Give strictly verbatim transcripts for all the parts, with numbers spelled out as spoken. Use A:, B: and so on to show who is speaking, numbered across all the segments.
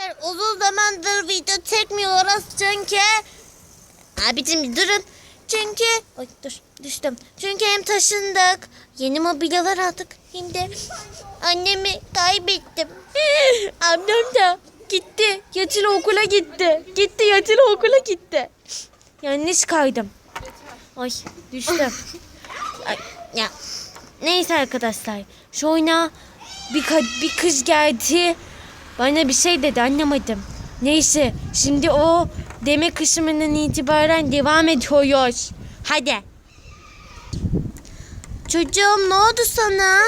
A: arkadaşlar uzun zamandır video çekmiyoruz çünkü abicim durun çünkü ay dur düştüm çünkü hem taşındık yeni mobilyalar aldık hem de annemi kaybettim. Ablam da gitti yatılı okula gitti gitti yatılı okula gitti yanlış kaydım ay düştüm. Ay, ya neyse arkadaşlar şu oyuna bir, bir kız geldi. Bana bir şey dedi anlamadım. Neyse şimdi o deme kısmından itibaren devam ediyoruz. Hadi. Çocuğum ne oldu sana?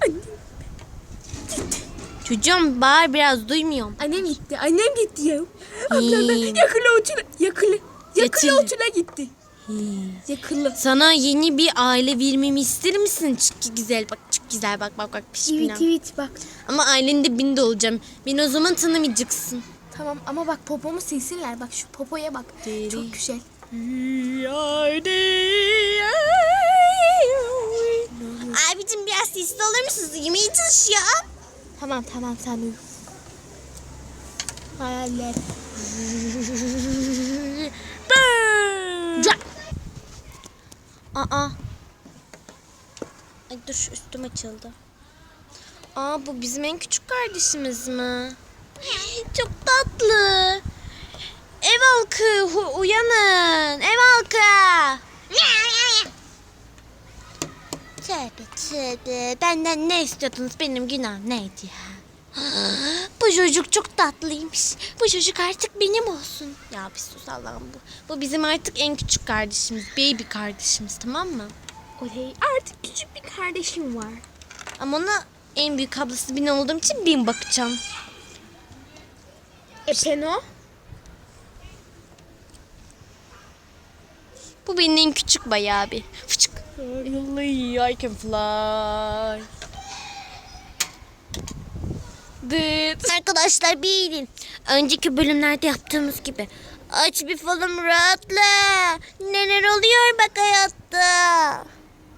A: Çocuğum bağır biraz duymuyorum.
B: Annem gitti. Annem gitti ya. Ablam da yakılı uçuna yakılı. Yakılı
A: Yatılı.
B: uçuna gitti. Yakılı.
A: Sana yeni bir aile vermemi ister misin? Çok güzel bak çok güzel bak bak bak. Piş
B: Evet
A: bina.
B: evet bak.
A: Ama ailenin dibinde olacağım. Beni o zaman tanımayacaksın.
B: Tamam ama bak popomu silsinler. Bak şu popoya bak.
A: Deri.
B: Çok güzel.
A: Abicim biraz sesli olur musunuz? Yemeği çalışıyor.
B: Tamam tamam sen uyu. Hayaller.
A: Ca- Aa. Ay dur üstüm açıldı. Aa bu bizim en küçük kardeşimiz mi? Çok tatlı. Ev halkı hu- uyanın. Ev halkı. Tövbe tövbe. Benden ne istiyordunuz? Benim günahım neydi ya? Bu çocuk çok tatlıymış. Bu çocuk artık benim olsun. Ya bir sus Allah'ım bu. Bu bizim artık en küçük kardeşimiz. Baby kardeşimiz tamam mı?
B: Oley artık küçük bir kardeşim var.
A: Ama ona en büyük ablası ben olduğum için ben bakacağım.
B: E Peno?
A: Bu benim en küçük bayağı bir. Fıçık. I can fly. Dıt. Arkadaşlar bilin. Önceki bölümlerde yaptığımız gibi. Aç bir falım rahatla. Neler oluyor bak hayatta.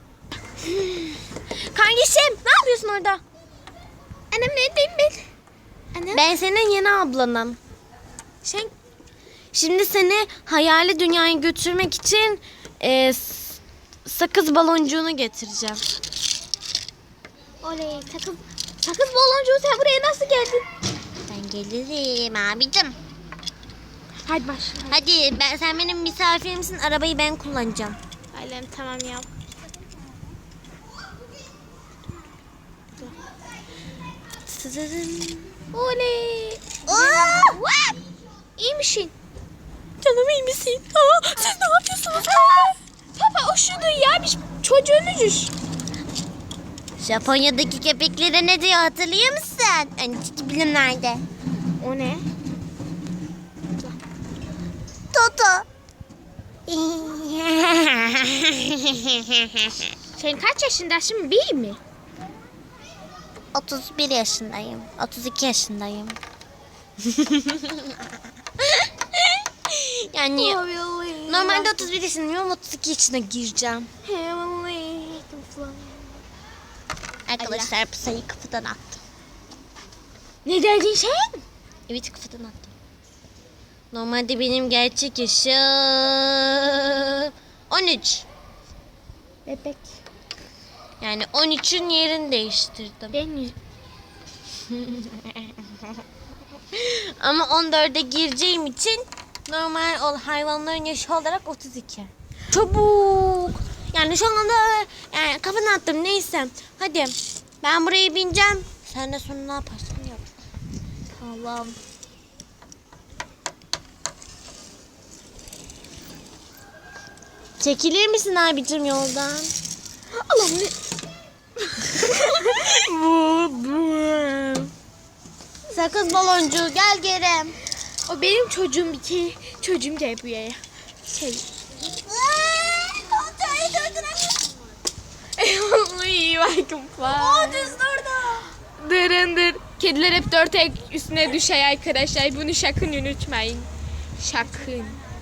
A: Kardeşim ne yapıyorsun orada?
B: Annem neredeyim ben? Annem?
A: Ben senin yeni ablanım.
B: Sen
A: Şimdi seni hayali dünyaya götürmek için e, s- sakız baloncuğunu getireceğim.
B: oley sakız sakız baloncuğu sen buraya nasıl geldin?
A: Ben gelirim abicim.
B: Hadi başla.
A: Hadi ben sen benim misafirimsin. Arabayı ben kullanacağım.
B: Ailem tamam ya. Oley.
A: Oo!
B: İyi misin?
A: Canım iyi misin? Aa, siz ne yapıyorsunuz?
B: Papa üşüdü ya biz çocuğunuzuz.
A: Japonya'daki köpeklere ne diyor hatırlıyor musun? Önceki bilimlerde.
B: O ne?
A: Toto.
B: Sen kaç yaşındasın bir mi?
A: otuz bir yaşındayım. otuz iki yaşındayım. yani normalde otuz bir yaşındayım ama otuz iki yaşına gireceğim. Arkadaşlar bu sayıyı kafadan attım.
B: Ne dedin sen?
A: Evet kafadan attım. Normalde benim gerçek yaşım on üç.
B: Bebek.
A: Yani on üçün yerini değiştirdim.
B: Ben
A: Ama on dörde gireceğim için normal ol hayvanların yaşı olarak otuz iki. Çabuk. Yani şu anda yani kafanı attım neyse. Hadi ben buraya bineceğim. Sen de sonra ne yaparsın yap.
B: Tamam.
A: Çekilir misin abicim yoldan?
B: Allah'ım ne?
A: Sakız baloncuğu gel geri.
B: O benim çocuğum bir kere. Çocuğum gel buraya. Şey. Uy, welcome fly.
A: Düz durdu.
B: Dırındır. Kediler hep dört ayak üstüne düşer arkadaşlar. Bunu sakın unutmayın. Sakın.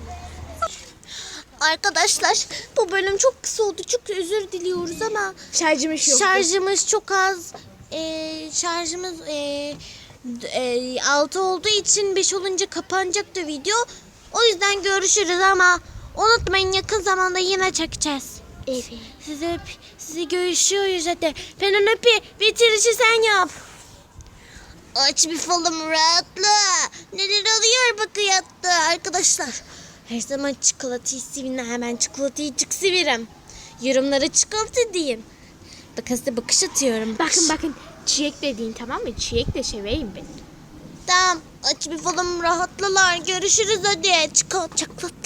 A: Arkadaşlar bu bölüm çok kısa oldu. Çok özür diliyoruz ama
B: Şarjımız yok.
A: şarjımız çok az. Ee, şarjımız ee, e, altı olduğu için beş olunca kapanacaktı video. O yüzden görüşürüz ama unutmayın yakın zamanda yine çekeceğiz.
B: Evet.
A: Size öp, size görüşüyoruz hadi. Ben öpü bitirişi sen yap. Aç bir falım rahatla. Neler oluyor bak hayatta arkadaşlar. Her zaman çikolatayı sevinle hemen çikolatayı çık severim. Yorumlara çikolata diyeyim. Bakın size bakış atıyorum.
B: Bakın bakın çiçek dediğin tamam mı? Çiçek de seveyim ben.
A: Tamam aç bir falım rahatlalar. Görüşürüz hadi. Çikolata çikolata.